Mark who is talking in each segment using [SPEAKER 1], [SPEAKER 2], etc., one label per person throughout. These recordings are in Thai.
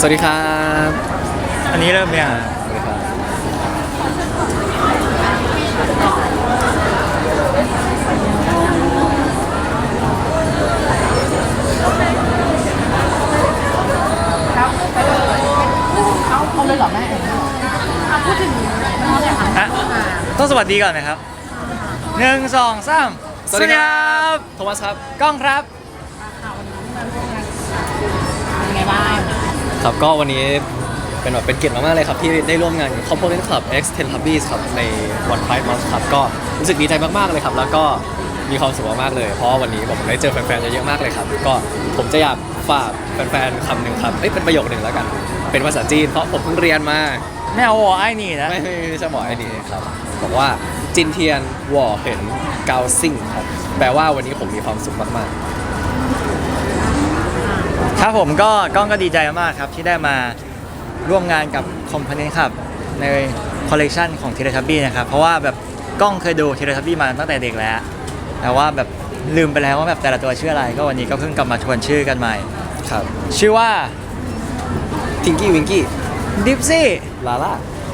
[SPEAKER 1] วัสดีครับ
[SPEAKER 2] อันนี้เริ่มยัง
[SPEAKER 1] สวัสดีครับ
[SPEAKER 3] เอาเลยเหรอแม่พูดถึงน้องเนี่ยค่ะ
[SPEAKER 2] อ่ะต้องสวัสดีก่อนนะครับ1 2 3สวัสดีครับ
[SPEAKER 1] โทมัสครับ
[SPEAKER 2] กล้องครับ
[SPEAKER 3] เป็นไงบ้าง
[SPEAKER 1] ครับก็วันนี้เป็นเกียรติมากๆเลยครับที่ได้ร่วมงานกับ Component Club X Teletubbies ครับในวัน Pride Month ครับก็รู้สึกดีใจมากๆเลยครับแล้วก็มีความสุขมากๆเลยเพราะวันนี้ผมได้เจอแฟนๆเยอะๆมากเลยครับก็ผมจะอยากฝากแฟนๆคำหนึ่งครับเป็นประโยคหนึ่งแล้วกันเป็นภาษาจีนเพราะผมเพิ่งเรียนมา
[SPEAKER 2] ไม่เอาหัวไอ้นี่นะ
[SPEAKER 1] ไม่ใช่บอกไอ้นี่ครับบอกว่าจินเทียนหว่อเห็นเกาซิ่งครับแปลว่าวันนี้ผมมีความสุขมาก
[SPEAKER 2] ครับผมก็กล้องก็ดีใจมากครับที่ได้มาร่วมงานกับ Component ครับในคอลเลกชันของ Teletubbies นะครับเพราะว่าแบบกล้องเคยดู Teletubbies มาตั้งแต่เด็กแล้วแต่ว่าแบบลืมไปแล้วว่าแบบแต่ละตัวชื่ออะไรก็วันนี้ก็เพิ่งกลับมาทวนชื่อกันใหม่
[SPEAKER 1] ๆครับ
[SPEAKER 2] ชื่อว่า
[SPEAKER 1] ทิงกี้วิงกี้
[SPEAKER 2] ดิฟซี่
[SPEAKER 1] ลาล่า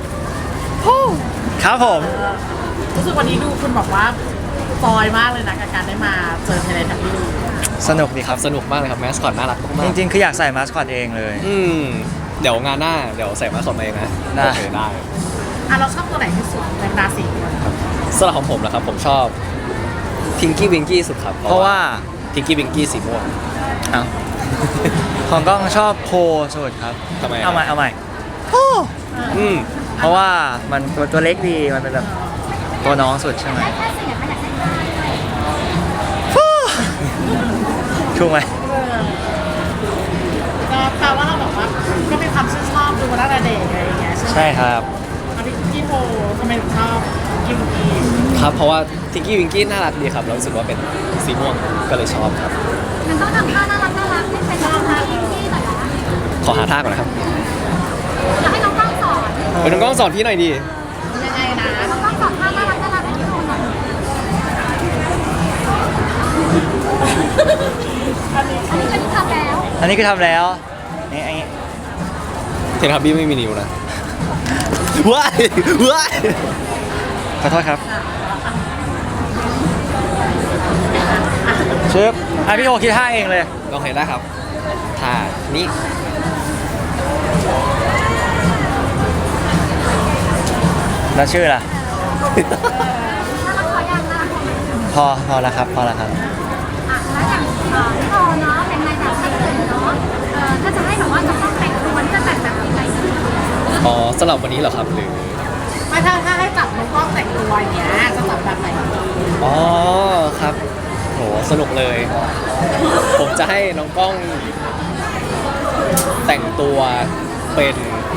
[SPEAKER 2] ครับผม
[SPEAKER 3] รู้สึกวันนี้ดูคุณบอกว่าจอยมากเลยนะกับการได้มาเจอเทเลทับบี้
[SPEAKER 2] สนุกดีครับ
[SPEAKER 1] สนุกมากเลยครับแมสคอตน่ารักมาก
[SPEAKER 2] จริงๆคืออยากใส่มาสคอตเองเลย
[SPEAKER 1] เดี๋ยวงานหน้าเดี๋ยวใส่มาสคอตมาเองนะ
[SPEAKER 2] ได้
[SPEAKER 1] โอเคได้
[SPEAKER 3] อ่ะเราชอบตัวไหนที่สุดในราศี
[SPEAKER 1] สำหรับของผมนะครับผมชอบทิงกี้วิงกี้สุดครับ
[SPEAKER 2] เพราะว่า
[SPEAKER 1] ทิงกี้วิงกี้สีม่วง
[SPEAKER 2] เอ้าของกล้องชอบโพสุดครับ
[SPEAKER 1] ทำไมอะ
[SPEAKER 2] เอาใหม่เอาใหม่
[SPEAKER 1] อืม
[SPEAKER 2] เพราะว่ามันตัวเล็กดีมันเป็นแบบตัวน้องสุดใช่ไหมถูกไหม
[SPEAKER 3] ก็แปลว่าเราบอกว่าก็มีความชื่นชอบดูมาตั้งแต่เด็กอะไรอย่างเงี้ยใช่ไหม
[SPEAKER 2] ใช่ครับ
[SPEAKER 3] แล้วพี่โพทำไมถึงชอบกิมกี
[SPEAKER 1] ครับเพราะว่าทิงกี้วิงกี้น่ารักดีครับแล้วรู้สึกว่าเป็นสีม่วงก็เลยชอบครับ
[SPEAKER 4] มันต้องทำท่าน่ารักน่ารักให้เป็นน้องท่าที่หน่อยนะ
[SPEAKER 1] ขอหาท่าก่อนนะครับ
[SPEAKER 4] อยากให้น้องกล้องสอน
[SPEAKER 1] เป็นน้องกล้องสอนพี่หน่อยดี
[SPEAKER 3] ยังไงนะ
[SPEAKER 4] น้องกล้องสอนท่าน่ารักน่ารักให้พี่ดูหน่อย อันนี้เป็นทำแล้ว
[SPEAKER 2] อันนี้คือทำแล้วนี่อันนี้
[SPEAKER 1] เทนทับบี้ไม่มีนิ้วนะว้ายว้าย
[SPEAKER 2] ขอโทษครับชึบอ่ะพี่โอคิดท่าเองเลย
[SPEAKER 1] ลองเห็นได้ครับท่านี้
[SPEAKER 2] แล้วชื่อล่ะ
[SPEAKER 4] น่ารักขออย่างน่ารักขออย่าง
[SPEAKER 2] พอแล้วครับพอแล้วครับ
[SPEAKER 4] อ่ะแล้วอย่างพี่โตเนาะเป็นในแบบนักเรียนเนาะถ้าจะให้แบบว่าจะต้องแต่งตัวนี่จะแต่งแบบยังไงดี
[SPEAKER 1] อ๋อสำหรับวันนี้เหรอครับหรือ
[SPEAKER 3] ไม่ถ้าให้จับน้องกล้องแต่งตัวอย่างเงี้ยจะจับแบบไหนดี
[SPEAKER 1] อ๋อครับโหสนุกเลย ผมจะให้น้องกล้องแต่งตัวเป็น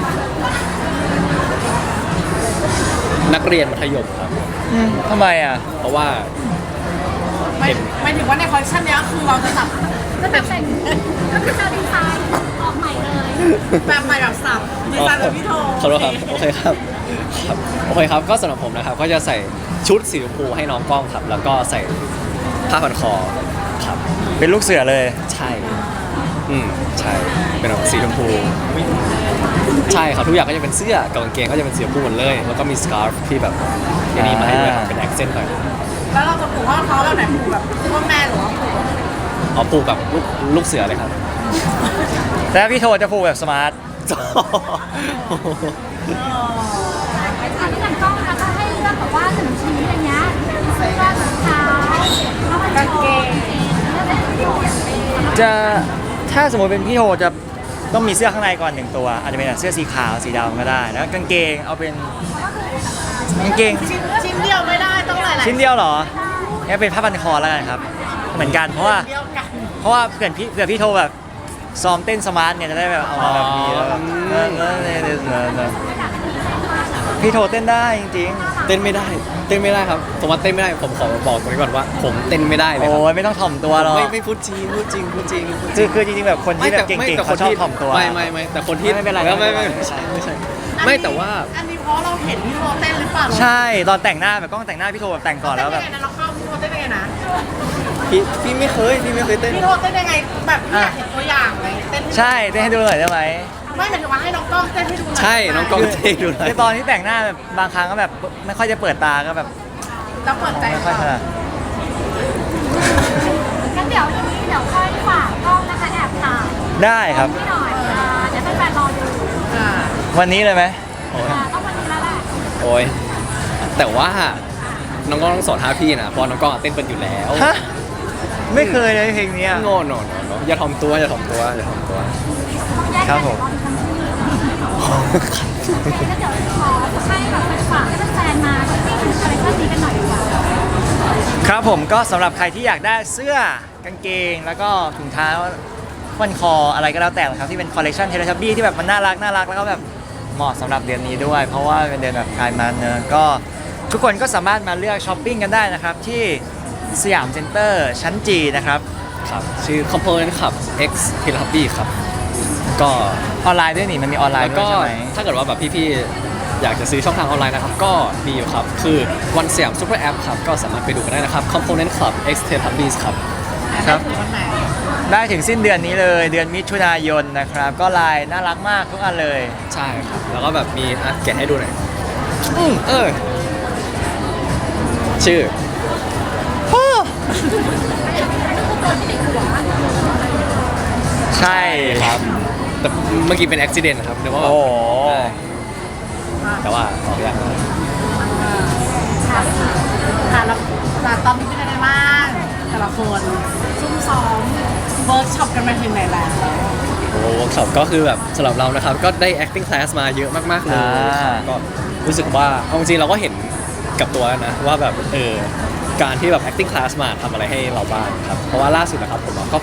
[SPEAKER 1] นักเรียนมัธยมครับ
[SPEAKER 2] ทำไมอ่ะ
[SPEAKER 1] เพราะว่า
[SPEAKER 3] ไม่ถึงว่าในคอลเลคชันเนี้ยคือเราจะจับ
[SPEAKER 4] ก็จะเป็นก็คือจะดีไซน์ออกใหม่เลย
[SPEAKER 3] แบบใหม่แบบสับดีไซน์แบบพี่โท
[SPEAKER 1] ขอโทษครับโอเคครับครับโอเคครับก็สำหรับผมนะครับก็จะใส่ชุดสีชมพูให้น้องกล้องครับ แล้วก็ใส่ผ้าพันคอครับ
[SPEAKER 2] เป็นลูกเสือเลย
[SPEAKER 1] ใช่ใช่เป็นแบบสีชมพูใช่ครับทุกอย่างก็จะเป็นเสื้อกับกางเกงก็จะเป็นสีชมพูหมดเลย แล้วก็มีสการ์ฟที่แบบอันนี้มาให้ด้วยครับเป็นแอคเซนต์หน่อย
[SPEAKER 3] แล้วเราจะผูกว่าเขาแบบไหนผูกแบบซูเปอร์แมนหรือว่าผูกแบบ
[SPEAKER 1] เอาปูกับลูกเสือเลยครับ
[SPEAKER 2] แล้วพี่โทจะพูดแบบสมาร์ท
[SPEAKER 4] อันนี้กันกล้องนะคะให้เลือกแบบว่าหนึ่งชิ้นอย่างเงี้ยเสื้อรองเท้าแล้วก็กางเกงเลือกแบบที่อยากเป็น
[SPEAKER 2] จะถ้าสมมติเป็นพี่โทจะต้องมีเสื้อข้างในก่อน1ตัวอาจจะเป็นแบบเสื้อสีขาวสีดำก็ได้แล้วกางเกงเอาเป็นกางเกง
[SPEAKER 3] ชิ้นเดียวไม่ได้ต้องหลายๆ
[SPEAKER 2] ชิ้นเดียวเหรองั้นเป็นผ้าพันคอแล้วกันครับ เหมือนกันเพราะว่า
[SPEAKER 3] เดียวกัน
[SPEAKER 2] เพราะว่าเผื่อพี่โทแบบซ้อมเต้นสมาร์ทเนี่ยจะได้แบบเอามาแบบนี้แล้วแบบพี่โทเต้นได้จริง
[SPEAKER 1] เต้นไม่ได้ครับผมว่าเต้นไม่ได้ผมขอบอกตรงนี้ก่อนว่า ผมเต้นไม่ได้
[SPEAKER 2] ๆ
[SPEAKER 1] เลยค
[SPEAKER 2] โอ้
[SPEAKER 1] รับ
[SPEAKER 2] ยไม่ต้องถ่อมตัวหรอก
[SPEAKER 1] ไม่พูดจริงพูดจริง
[SPEAKER 2] คือจริงๆแบบคนที่แบบเก่งๆเขาชอบถ่อมตัว
[SPEAKER 1] ไม่แต่คนที่
[SPEAKER 2] ไม่เป็นไร
[SPEAKER 1] ไม่ใช่ไม่แต่ว่า
[SPEAKER 3] อันนี้เพราะเราเห็นพี่โทเต้นหรือเปล่า
[SPEAKER 2] ใช่ตอนแต่งหน้าแบบกล้องแต่งหน้าพี่โทแบบแต่งก่อนแล้วแบบ
[SPEAKER 3] เต้นยังไงนะเราเข้าพี่โทเต้นยังไงนะ
[SPEAKER 1] พี่ไม่เคยเต้น
[SPEAKER 3] พี่โทเต้นยังไงแบบพี่อยากเห็นตัวอย่างเลยเต้น
[SPEAKER 2] ใช่เต้นให้ดูหน่อยได้ไหม
[SPEAKER 4] เอา
[SPEAKER 3] ไม่หมายถึงว่าให้น้องกล้องเต้นให้ดูหน่อย
[SPEAKER 1] ใช่น้องกล้องเท่ดูหน่อย
[SPEAKER 2] คือตอนที่แต่งหน้าแบบบางครั้งก็แบบไม่ค่อยจะเปิดตาก็แบบ
[SPEAKER 3] แล้วเปิดใจ
[SPEAKER 2] ไม่ค่อยถนัด
[SPEAKER 4] งั้นเดี๋ยวทีนี้เดี๋ยวค่อยฝากกล้องนะคะแอบถ่าย
[SPEAKER 2] ได้ครับ
[SPEAKER 4] พี่หน่อยเดี๋ยวแฟนๆรอดู
[SPEAKER 3] อ่า
[SPEAKER 2] วันนี้เลยไหม
[SPEAKER 4] ต้องวันนี้แล้วแหละ
[SPEAKER 1] โอ้ยแต่ว่าน้องกล้องต้องสอนท่าพี่นะเพราะน้องกล้องเต้นเป็นอยู่แล้ว
[SPEAKER 2] ฮะไม่เคยเลยเพลงเนี้ย
[SPEAKER 1] โง่โน่อย่าถ่อมตัวอย่าถ่อมตัวอย่าถ่อมตัว
[SPEAKER 4] ต้องแยก
[SPEAKER 2] ครั
[SPEAKER 4] กับ น
[SPEAKER 2] ผม
[SPEAKER 4] เดี๋ยวรอดูทั้งคู่แล้วเดี๋ยวขอให้แบบฝากให้แฟนๆมาที่คอลเลคชั่นนี้กันหน่อยดีกว่า
[SPEAKER 2] ครับผมก็สำหรับใครที่อยากได้เสื้อกางเกง แล้วก็ถุงเท้าฟันคออะไรก็แล้วแต่นะครับที่เป็นคอลเลคชันเทเลทับบี้ที่แบบมันน่ารักแล้วก็แบบเหมาะสำหรับเดือนนี้ด้วย เพราะว่าเป็นเดือนแบบไพร์มันเนอะก็ทุกคนก็สามารถมาเลือกช้อปปิ้งกันได้นะครับที่สยามเซ็นเตอร์ชั้นจีนะครับ
[SPEAKER 1] ครับชื่อ Component ครับ X t e l e h u b b y ครับก็
[SPEAKER 2] ออนไลน์ด้วยนี่มันมีออนไลน์
[SPEAKER 1] แล้ว
[SPEAKER 2] ด้วย
[SPEAKER 1] ก็
[SPEAKER 2] ใช่ไหม
[SPEAKER 1] ถ้าเกิดว่าแบบพี่ๆอยากจะซื้อช่องทางออนไลน์นะครับก็มีอยู่ครับคือวันสยามซุปเปอร์แอปครับก็สามารถไปดูกันได้นะครับ Component Club X t e l e h u b b y ครับ
[SPEAKER 2] ครับ
[SPEAKER 3] ถึงวันไหน
[SPEAKER 2] ได้ถึงสิ้นเดือนนี้เลยเดือนมิถุนายนนะครับก็ลายน่ารักมากทุกอันเลย
[SPEAKER 1] ใช่ครับแล้วก็แบบมีแกะให้ดูหน่อยชื่อ
[SPEAKER 2] ใช่
[SPEAKER 1] ครับแต่เมื่อกี้เป็นอุบิเหตุนะครับนึกว่าแบบ
[SPEAKER 2] โอ้โห
[SPEAKER 1] แต่ว่าออกยาก
[SPEAKER 3] ค่ะแล้วตอนนี้เป็นยังไงบ้างแต่ละคนซุ่มซ้อมเวิร์กช็อปกันไปถึงไหนแล้ว
[SPEAKER 1] โอ้เวิร์กช็อปก็คือแบบสำหรับเรานะครับก็ได้ acting class มาเยอะมากๆเลยครับก็รู้สึกว่าเอาจริงๆเราก็เห็นกับตัวแล้วนะว่าแบบการที่แบบ acting class มาทำอะไรให้เราบ้างครับเพราะว่าล่าสุดนะครับผมก็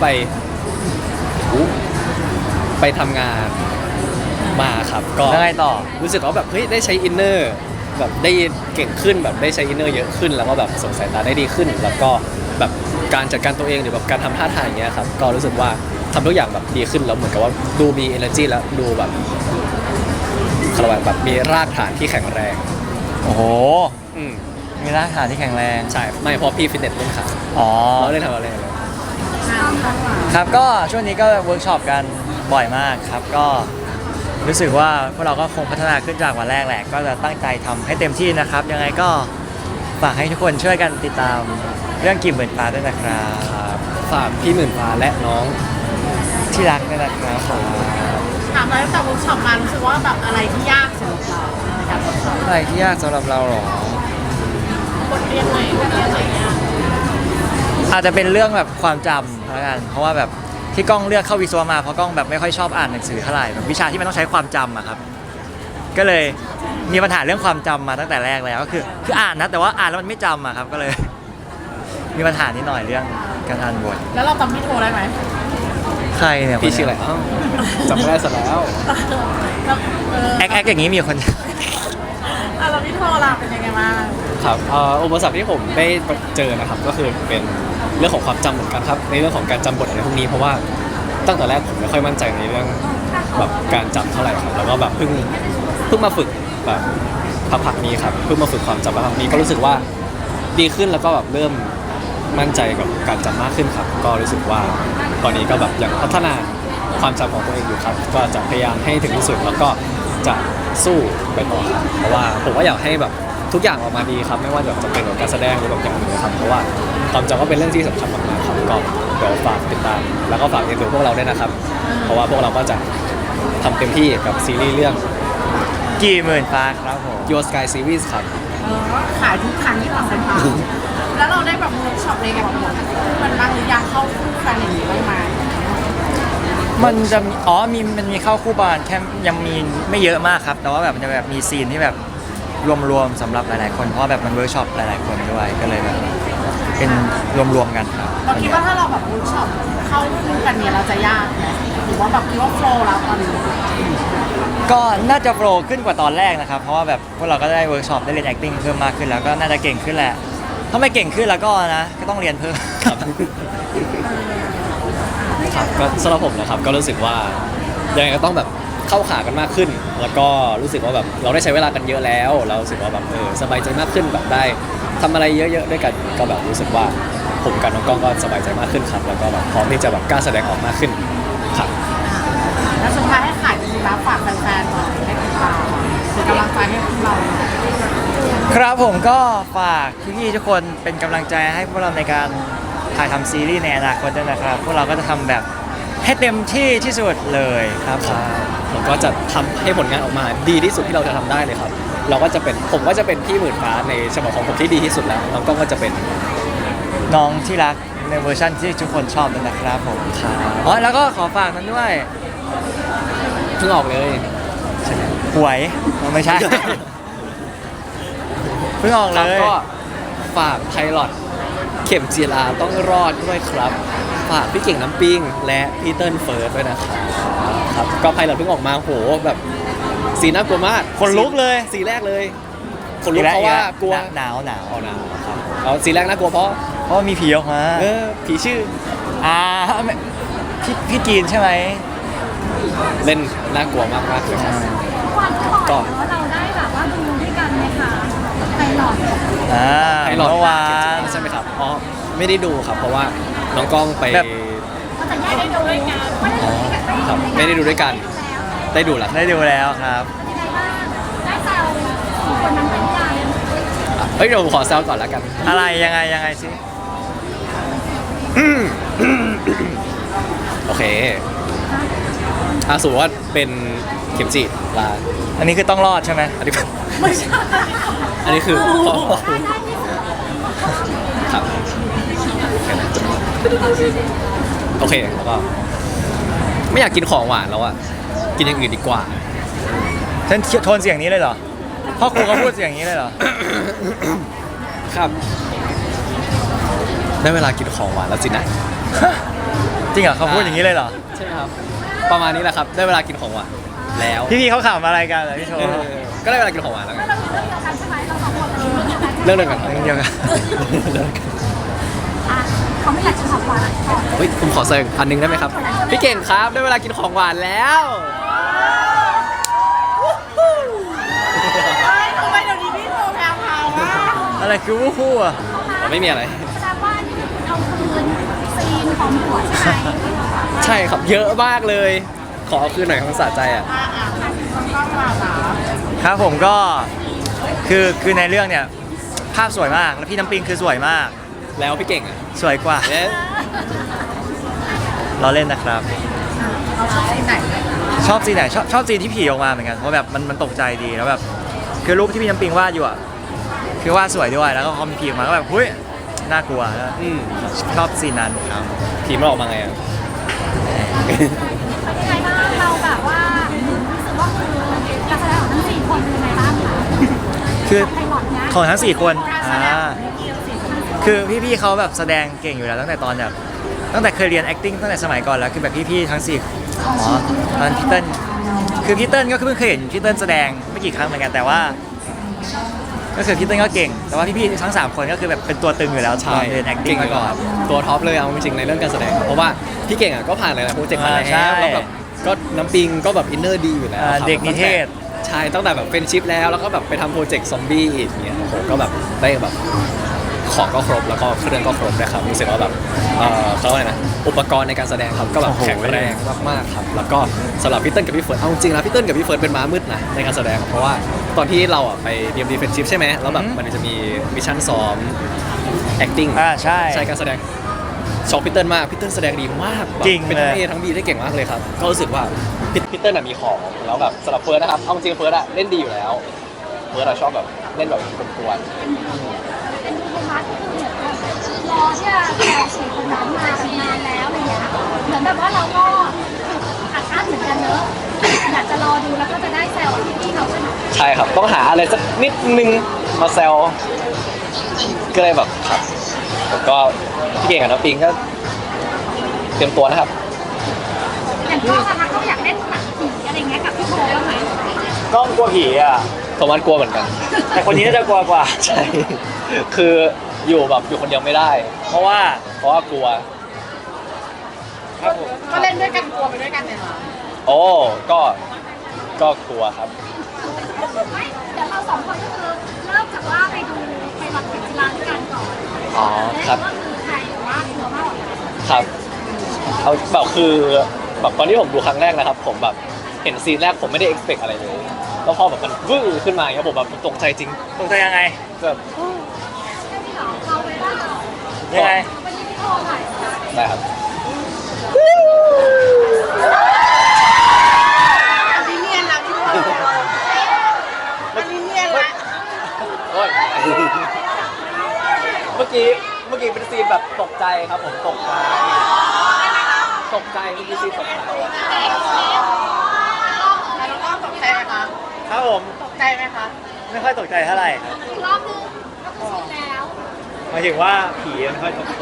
[SPEAKER 1] ไปทำงานมาครับก็
[SPEAKER 2] แล้วไงต่อ
[SPEAKER 1] รู้สึกว่าแบบเฮ้ยได้ใช้อินเนอร์แบบได้เก่งขึ้นแบบได้ใช้อินเนอร์เยอะขึ้น แล้วก็แบบส่งสายตาได้ดีขึ้น แล้วก็แบบการจัดการตัวเองหรือแบบการทำท่าทางอย่างเงี้ยครับก็รู้สึกว่าทำทุกอย่างแบบดีขึ้นแล้วเหมือนกับว่าดูมี energy แล้วดูแบบเขาเรียกว่าแบบมีรากฐานที่แข็งแรง
[SPEAKER 2] โอ้โห
[SPEAKER 1] อืม
[SPEAKER 2] มีรากฐานที่แข็งแรง
[SPEAKER 1] ใช่ไม่เพราะพี่ฟิตเนสเล่นขา
[SPEAKER 2] อ๋อ
[SPEAKER 1] เราเล่นทำอะไรเลย
[SPEAKER 2] ครับก็ช่วงนี้ก็เวิร์กช็อปกันบ่อยมากครับก็รู้สึกว่าพวกเราก็คงพัฒนาขึ้นจากวันแรกแหละ ก็จะตั้งใจทำให้เต็มที่นะครับ ยังไงก็ฝากให้ทุกคนช่วยกันติดตามเรื่องกิ่มเหมือนฟ้าด้วยนะครับ
[SPEAKER 1] ครับฝากพี่หมื่นฟ้าและน้อง
[SPEAKER 2] ที่รักด้วยนะครับ
[SPEAKER 3] ถามอะไรตั้งแต่เวิร์กช็อปมารู้สึกว่าแบบอะไรที่ยากสำหรับเราในการเวิร์กช็อป
[SPEAKER 2] อะไรที่ยากสำหรับเราหรอ
[SPEAKER 3] บทเรียนไหนบทเรียนไหนยาก
[SPEAKER 2] อาจจะเป็นเรื่องแบบความจำแล้วกันเพราะว่าแบบที่กล้องเลือกเข้าวิศวะมาเพราะกล้องแบบไม่ค่อยชอบอ่านหนังสือเท่าไหร่แบบวิชาที่มันต้องใช้ความจำอะครับก็เลยมีปัญหาเรื่องความจำมาตั้งแต่แรกแล้วก็คืออ่านนะแต่ว่าอ่านแล้วมันไม่จำอะครับก็เลย มีปัญหานิดหน่อยเรื่องการอ่านบท
[SPEAKER 3] แล้วเราจำพี่โทรได้ไหม
[SPEAKER 2] ใครเนี่ย
[SPEAKER 1] พี่ชื่ออะไรอ้าวจำไม่ได้ซะแล้ว
[SPEAKER 3] แล้ว
[SPEAKER 2] แอคอย่างนี้มีคน
[SPEAKER 3] เราพี่โทรเราเป็นยังไงบ้าง
[SPEAKER 1] ครับอุปสรรคที่ผมได้เจอนะครับก็คือเป็นเรื่องของความจำเหมือนกันครับในเรื่องของการจำบทอะไรพวกนี้เพราะว่าตั้งแต่แรกผมไม่ค่อยมั่นใจในเรื่องแบบการจำเท่าไหร่ครับแล้วก็แบบเพิ่งมาฝึกแบบพักๆนี้ครับเพิ่งมาฝึกความจำพักๆนี้ก็รู้สึกว่าดีขึ้นแล้วก็แบบเริ่มมั่นใจกับการจำมากขึ้นครับก็รู้สึกว่าตอนนี้ก็แบบยังพัฒนาความจำของตัวเองอยู่ครับก็จะพยายามให้ถึงที่สุดแล้วก็จะสู้ไปต่อครับเพราะว่าผมก็อยากให้แบบทุกอย่างออกมาดีครับไม่ว่าจะเป็นการแสดงหรือแบบอย่างอื่นครับเพราะว่าความจำก็เป็นเรื่องที่สำคัญมากๆครับก็เดี๋ยวฝากติดตามแล้วก็ฝากเอ็นดูพวกเราด้วยนะครับ เพราะว่าพวกเราก็จะทำเต็มที่กับซีรีส์เรื่อง
[SPEAKER 2] กี่หมื่นฟ้าครับผม
[SPEAKER 1] Your Sky Series ครับ
[SPEAKER 3] ขายทุกครั้งที่เราไปทำแล้วเราได้แบบเวิร์กช็อปอะไรกับแบบมันบ้างหรือยังเข้าคู่กันอย่างนี้บ้างไหม
[SPEAKER 2] มันจะมีมันมีเข้าคู่บานแค่ยังมีไม่เยอะมากครับ แต่ว่าแบบมันจะแบบมีซีนที่แบบรวมๆสำหรับหลายๆคนเพราะว่าแบบมันเวิร์กช็อปหลายๆคนด้วยก็เลยแบบเป็นรวมๆกันครับ
[SPEAKER 3] เราคิดว่าถ้าเราแบบเวิร์กช็อปเข้าคู่กันเนี่ยเราจะยากไหมหรือว่าแบบคิดว่าโฟล์แล้วตอนนี้
[SPEAKER 2] ก็น่าจะโปรขึ้นกว่าตอนแรกนะครับ เพราะว่าแบบพวกเราก็ได้เวิร์กช็อปได้เรียน acting เพิ่มมากขึ้นแล้วก็น่าจะเก่งขึ้นแหละ ถ้าไม่เก่งขึ้นแล้วก็นะก็ต้องเรียนเพิ่ม
[SPEAKER 1] ครับครับก็สำหรับผมนะครับก็รู้สึกว่ายังไงก็ต้องแบบเข้าขากันมากขึ้น แล้วก็รู้สึกว่าแบบเราได้ใช้เวลากันเยอะแล้ว เรารู้สึกว่าแบบสบายใจมากขึ้นแบบได้ทำอะไรเยอะๆด้วยกันก็แบบรู้สึกว่าผมกับน้องกล้องก็สบายใจมากขึ้นครับแล้วก็แบบพร้อมที่จะแบบกล้าแสดงออกมากขึ้นครับ
[SPEAKER 3] แล้วสุดท้ายให้ขายจริงๆแล้วฝแฟนๆหน่อยให้ติดตามเป็นกำลังใจให้พวกเรา
[SPEAKER 2] ครับผมก็ฝากพี่ๆทุกคนเป็นกำลังใจให้พวกเราในการถ่ายทำซีรีส์ในอนาคตด้วยนะครับพวกเราก็จะทำแบบให้เต็มที่ที่สุดเลยครับผม
[SPEAKER 1] ผมก็จะทำให้ผลงานออกมาดีที่สุดที่เราจะทำได้เลยครับเราก็จะเป็นผมก็จะเป็นพี่หมื่นฟ้าในฉบับของผมที่ดีที่สุดแล้วน้องก้องก็จะเป็น
[SPEAKER 2] น้องที่รักในเวอร์ชันที่ทุกคนชอบนั่นนะครับผม
[SPEAKER 1] ครับ
[SPEAKER 2] อ๋อแล้วก็ขอฝากนั้นด้วย
[SPEAKER 1] เพิ่งออกเลยใช่ไหม
[SPEAKER 2] หวยไม่ใช่ เพิ่งออก
[SPEAKER 1] ค
[SPEAKER 2] เล
[SPEAKER 1] รับ
[SPEAKER 2] ย
[SPEAKER 1] ก็ฝากไพลอตเข็มจีราต้องรอดด้วยครับฝากพี่เก่งน้ำปิ้งและพี่เติ้ลเฟิร์สด้วยนะครับครับก็ไพลอตเพิ่งออกมาโหแบบสีน่ากลัวมาก
[SPEAKER 2] คนลุกเลย
[SPEAKER 1] สีแรกเลยคนลุกเพราะว่ากลัว
[SPEAKER 2] หนาวหนาว
[SPEAKER 1] เอาหนาวครับเอาสีแรกน่ากลัวเพราะ
[SPEAKER 2] เพราะว่ามีผีออกมา
[SPEAKER 1] ผีชื่อ
[SPEAKER 2] ไม่พี่จีนใช่ไหม
[SPEAKER 1] เล่นน่ากลัวมากมากๆเลยครับ
[SPEAKER 4] วันก่อนเนอะเราได้แบบว่าดูด้วยกันไหมคะไปหลอด
[SPEAKER 1] ไพลอต
[SPEAKER 2] เมื่อวาน
[SPEAKER 1] ใช่ไหมครับอ๋อไม่ได้ดูครับ เพราะว่าน้องกล้องไป
[SPEAKER 2] แบบ
[SPEAKER 4] ก็จะแยกได้ดูด้วยกันไม่ได้ดูด้วยกัน
[SPEAKER 1] ครับไม่ได้ดูด้วยกัน ได้ดูแล้ว
[SPEAKER 2] ได้ดูแล้วครับ
[SPEAKER 4] ยังไงบ้างได้แซวคนนั้นเป็นยัง
[SPEAKER 1] เฮ้ยเดี๋ยวผมขอแซวก่อนแล้วกัน
[SPEAKER 2] อะไรยังไงสิ
[SPEAKER 1] โอเคสมมติว่าเป็นเข็มจีลา
[SPEAKER 2] อันนี้คือต้องรอดใช่ไหม
[SPEAKER 1] อันนี้
[SPEAKER 3] ไม่ใช่
[SPEAKER 1] อันนี้คือครับโอเคแล้วก็ไม่อยากกินของหวานแล้วอ่ะกินอย่างอื่นดีกว่า
[SPEAKER 2] ฉันโทนเสียงนี้เลยเหรอพ่อครูเขาพูดเสียงนี้เลยเหรอ
[SPEAKER 1] ครับ ได้เวลากินของหวานแล้วสินะ
[SPEAKER 2] จริงเหรอเขาพูดอย่างนี้เลยเหรอ
[SPEAKER 1] ใช่ไหมครับ ประมาณนี้แหละครับ ได้เวลากินของหวานแล้ว
[SPEAKER 2] พี่ๆเขาขำอะไรกันเหรอพี่โชว์
[SPEAKER 1] ก็ได้เวลากินของหวานแล้วไง
[SPEAKER 4] เราเรื่องเดียวกันใช่ไหมเราสองคน
[SPEAKER 1] เรื่องเดียวกันครับ
[SPEAKER 2] เรื่องเดียวกัน
[SPEAKER 4] อ่ะเขาไม่อยากจะถามว่า
[SPEAKER 1] เฮ้ยผมขอเสริมอันหนึงได้ไหมครับ พี่เก่งครับได้เวลากินของหวานแล้ว
[SPEAKER 3] ทำไมเดี๋ยวนี้พี่โทรแพรวๆวะ
[SPEAKER 2] อะไรคือวู้ฮู้อ่ะ
[SPEAKER 1] ไม่มีอะไร
[SPEAKER 4] แสดงว่านี่คือคุณเอาคืนซีนของหัวใช่ไหม
[SPEAKER 1] ใช่ครับเยอะมากเลย ขอเอาคืนหน่อยของสะใจอ่ะ
[SPEAKER 3] ต้องมาหนา
[SPEAKER 2] ครับผมก็คือในเรื่องเนี่ยภาพสวยมากแล้วพี่น้ำปิงคือสวยมาก
[SPEAKER 1] แล้วพี่เก่งอ่ะ
[SPEAKER 2] สวยกว่า
[SPEAKER 1] เอ๊ะ
[SPEAKER 2] เราเล่นนะครับ
[SPEAKER 3] เราชอบที่ไหน
[SPEAKER 2] ชอบซีนไหนชอบซีนที่ผีออกมาเหมือนกันเพราะแบบมันตกใจดีแล้วแบบคือรูปที่พี่น้ำปิงวาดอยู่อ่ะคือวาดสวยด้วยแล้วก็พอมีผีออกมาก็แบบเฮ้ยน่ากลัวแล้ว
[SPEAKER 1] อืม
[SPEAKER 2] ชอบซีนนั้นครับ
[SPEAKER 1] ผีมันออกมาไงอ่ะ
[SPEAKER 4] เป็นยังไงบ้างเราแบบว่ารู้สึกว่าคือการแสดงของทั้งสี่คนเป็นยังไงบ้างคะ
[SPEAKER 2] คือ
[SPEAKER 4] ไพลอตเนี้ย
[SPEAKER 2] ของทั้ง4คน
[SPEAKER 3] การแสดงของพี่เราสิ
[SPEAKER 2] คือพี่ๆเขาแบบแสดงเก่งอยู่แล้วตั้งแต่ตอนแบบตั้งแต่เคยเรียน acting ตั้งแต่สมัยก่อนแล้วคือแบบพี่ๆทั้ง4อ๋อตอนพี่เติ้ลคือพี่เติ้ลก็เพิ่งเคยเห็นพี่เติ้ลแสดงไม่กี่ครั้งเหมือนกันแต่ว่า ก็คือพี่เติ้ลก็เก่ง แต่ว่าพี่ๆทั้ง3คนก็คือแบบเป็นตัวตึงอยู่แล้วต
[SPEAKER 1] ใช่
[SPEAKER 2] อนเรียน acting มาก่อน
[SPEAKER 1] ตัวท็อปเลยเอาจริงๆในเรื่องการแสดงเพราะว่าพี่เก่งอ่ะก็ผ่านหลายๆโปรเจกต์มาแล้ว
[SPEAKER 2] ใช่
[SPEAKER 1] แล้วแบบก็น้ำปิงก็แบบอินเนอร์ดีอยู่แล้วครับ
[SPEAKER 2] เด็กนิเทศ
[SPEAKER 1] ใช่ตั้งแต่แบบเป็นชิปแล้วก็แบบไปทำโปรเจกต์ซอมบี้อีกเนี่ยโอ้โหก็แบบได้แบบของก็ครบแล้วก็เครื่องก็ครบนะครับรู้สึกว่าแบบเขาเรียกว่าอะไรนะอุปกรณ์ในการแสดงครับก็แบบ
[SPEAKER 2] โอ้โห
[SPEAKER 1] แข็งแรงมากๆครับแล้วก็สำหรับพี่เติ้ลกับพี่เฟิร์นเอาจริงๆแล้วพี่เติ้ลกับพี่เฟิร์นเป็นม้ามืดนะในการแสดงเพราะว่าตอนที่เราอ่ะไปเรียนดีเฟนชิพใช่ไหมแล้วแบบมันจะมีมิชชั่นซ้อม acting
[SPEAKER 2] ใช่
[SPEAKER 1] ใช่การแสดงชอบพี่เติ้ลมากพี่เติ้ลแสดงดีมากแบบ
[SPEAKER 2] จริง
[SPEAKER 1] เป็น
[SPEAKER 2] เลย
[SPEAKER 1] ทั้ง A ทั้ง B ได้เก่งมากเลยครับก็รู้สึกว่าพี่เติ้ลน่ะมีของแล้วแบบสำหรับเฟิร์สนะครับเอาจริงๆเฟิร์สอะเล่นดีอยู่แล้วเฟิร์สอะชอบแบบเล่นแบบกวน
[SPEAKER 4] เป็นโทมัสคือเหมือนกับรอที่จะแข่งสี่คนนั้นมานานแล้วอะไรเงี้ยเหมือนแบบว่าเราก็อัดอั้นเหมือนกันเนอะอยากจะรอดูแล้วก็จะได้แซวพี่ๆเขาใช่ไหม
[SPEAKER 1] ๆใช่ครับต้องหาอะไรสักนิดนึงมาแซวก็เลยแบบครับแล้วก็พี่เก่งกับน้องปิงก็เตรียมตัวนะครับ
[SPEAKER 4] อย่างพ่อนะคะเขาอยากเล่นหนังผีอะไรเงี้ยกับพี่โบบ้างไหม
[SPEAKER 2] กล้องกลัวผีอ่ะ
[SPEAKER 1] โทมัสกลัวเหมือนกัน
[SPEAKER 2] แต่คนนี้น่าจะกลัวกว่า
[SPEAKER 1] ใช่คืออยู่แบบอยู่คนเดียวไม่ได้
[SPEAKER 2] เพราะว่า
[SPEAKER 1] เพราะว่ากลัว
[SPEAKER 2] ครับผม
[SPEAKER 3] ก็เล่นด้วยกันกลัวไปด้วยกันเนี่ยเหรอ
[SPEAKER 1] โอ้ก็กลัวครับ
[SPEAKER 4] ไม่เดี๋ยวเราสองคนก็คือเริ่มจากว่าไปดูไปรับเข็มจีราด้วยกันก่อน
[SPEAKER 1] อ๋อครับ
[SPEAKER 4] แล้วก็คือใครว่ากลัวมากกว่ากัน
[SPEAKER 1] ครับเอาแบบคือแบบตอนที่ผมดูครั้งแรกนะครับ ผมแบบเห็นซีนแรกผมไม่ได้ expect อะไรเลยแล้วพอแบบมันวื้อขึ้นมาอย่างเงี้ยผมแบบตกใจจริง
[SPEAKER 2] ตกใจยังไง
[SPEAKER 1] แบบ
[SPEAKER 4] เอาไปว่า
[SPEAKER 2] ยังไง
[SPEAKER 4] วันนี้พี่โทรหน่อย
[SPEAKER 1] ได้ครับ
[SPEAKER 3] อันนี้เนียนนะพี่บอลอันนี้เนียนละ
[SPEAKER 1] โอ้ยเมื่อกี้เป็นซีนแบบตกใจครับผมตกใจเมื่อกี้ซีนตกใจ
[SPEAKER 3] แล้วก็ตกใจไหมคะ
[SPEAKER 2] ครับผม
[SPEAKER 3] ตกใจไหมคะ
[SPEAKER 2] ไม่ค่อยตกใจเท่าไหร่ครับ
[SPEAKER 4] อีกรอบนึงก็คือชินแล้ว
[SPEAKER 2] หมายถึงว่าผีไม่ค่อยตกใจ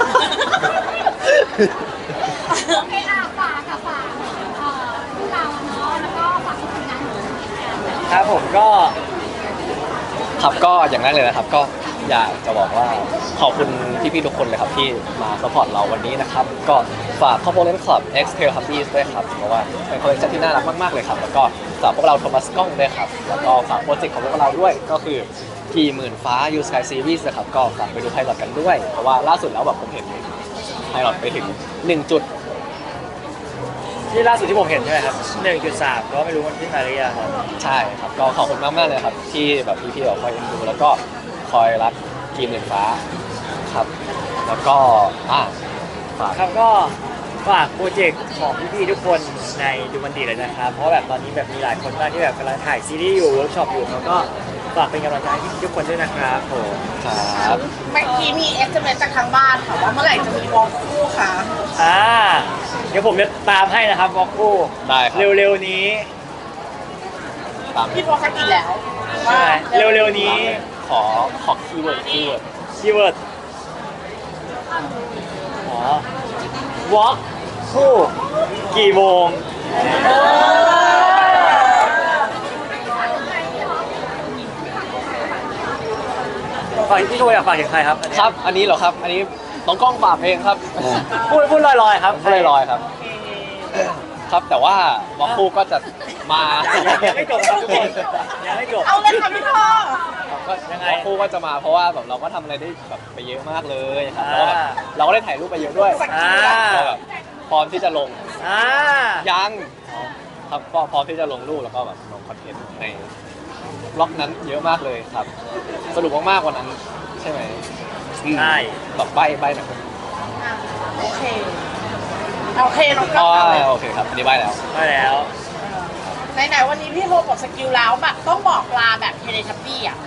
[SPEAKER 4] โอเคฝากค่ะฝากพวกเราเนาะแล้วก็ฝากทุกคนนะครับ
[SPEAKER 2] ผมก็
[SPEAKER 1] ครับก็อย่างแรกเลยนะครับก็อยากจะบอกว่าขอบคุณพี่ๆทุกคนเลยครับที่มาสปอร์ตเราวันนี้นะครับก็ฝากคอมโพเนนต์คลับ X Tail Hubbies ด้วยครับเพราะว่าเป็นคอลเลคชันที่น่ารักมากๆเลยครับแล้วก็ฝากพวกเราโทมัสกล้องด้วยครับแล้วก็ฝากโปรเจกต์ของพวกเราด้วยก็คือที่หมื่นฟ้า You Sky Series นะครับก็ฝากไปดูไพลอตกันด้วยเพราะว่าล่าสุดแล้วแบบผมเห็นไพลอตไปถึง1จุด
[SPEAKER 2] ที่ล่าสุดที่ผมเห็นใช่ไหมครับ 1.3 ก็ไม่รู้มันขึ้นมาหรือยังครับ
[SPEAKER 1] ใช่ครับก็ขอบคุณมากๆเลยครับที่แบบพี่ๆแบบคอยเอ็นดูแล้วก็คอยรักทีมหมื่นฟ้าครับแล้วก็ฝาก
[SPEAKER 2] ครับก็ฝากโปรเจกต์ของพี่ๆทุกคนในดูมันดีเลยนะครับ เพราะแบบตอนนี้แบบมีหลายคนมากที่แบบกำลังถ่ายซีรีส์อยู่เวิร์กช็อปอยู่แล้วก็ฝากเป็นกำลังใจให้พี่ๆทุกคนด้วยนะครับผม
[SPEAKER 1] ครับ
[SPEAKER 3] เมื่อกี้มี SMS จากทางบ้านค่ะว่าเมื่อไหร่จะมีวอล์กคู่คะ
[SPEAKER 2] เดี๋ยวผมจะตามให้นะครับวอลคู่
[SPEAKER 1] ได้ครับ
[SPEAKER 2] เร็วๆนี้
[SPEAKER 1] ตาม
[SPEAKER 3] พี่โฟกัสอีกแล้ว
[SPEAKER 2] ใช่เร็วๆนี้
[SPEAKER 1] ขอคีย์เวิร์ด
[SPEAKER 2] คีย์เวิร์ดอ๋อวอล์กคู่กี่โมงฝากพี่โทอยากฝากถึงใครครับอันนี้
[SPEAKER 1] ครับอันนี้เหรอครับอันนี้น้องกล้องฝากเองครับ
[SPEAKER 2] พูดลอยๆครับ
[SPEAKER 1] พูดลอยๆครับ ครับแต่ว่าบล็อกคู่ก็จะมา
[SPEAKER 2] ยังไม่จบครับทุกคนยังไม่จบ
[SPEAKER 3] เอาเลยค่ะพี่พ่อ
[SPEAKER 1] ก็
[SPEAKER 2] ยังไง
[SPEAKER 1] บล็อกคู่ก็จะมาเพราะว่าแบบเราก็ทำอะไรได้แบบไปเยอะมากเลยครับแล้วก็แบบเราก็ได้ถ่ายรูปไปเยอะด้วย
[SPEAKER 2] อ่า
[SPEAKER 1] ก็แบบพร้อมที่จะลง
[SPEAKER 2] อ่า
[SPEAKER 1] ยังครับก็พร้อมที่จะลงรูปแล้วก็แบบลงคอนเทนต์ในบล็อกนั้นเยอะมากเลยครับ สรุปมากๆวันนั้นใช่ไหม
[SPEAKER 2] ใช่
[SPEAKER 1] แบบใบหน่อย
[SPEAKER 3] โอเคโอเคน้องก็
[SPEAKER 1] อ๋อ
[SPEAKER 3] เอาเลย
[SPEAKER 1] โอเคครับอันนี้ใบแล้ว
[SPEAKER 2] ได้แล้ว
[SPEAKER 3] ไหนๆวันนี้พี่โทรบอกสกิลแล้วแบบต้องบอกลาแบบเทเลทับบี้อ่ะ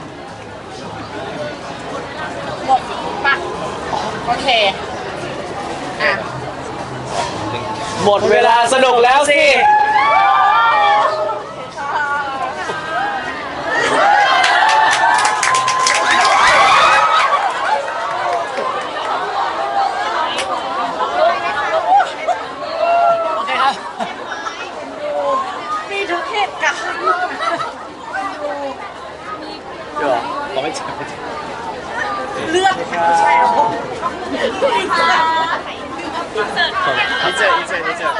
[SPEAKER 3] บอกปะโอเคอ่ะ
[SPEAKER 1] หมดเวลาสนุกแล้วสิ
[SPEAKER 2] โอเคครับ
[SPEAKER 3] มีทุกเหตุการณ์
[SPEAKER 2] เดี๋ยว
[SPEAKER 1] เราไม่เจอ
[SPEAKER 3] เลือกใช่หรอ
[SPEAKER 2] อินเสิร์ต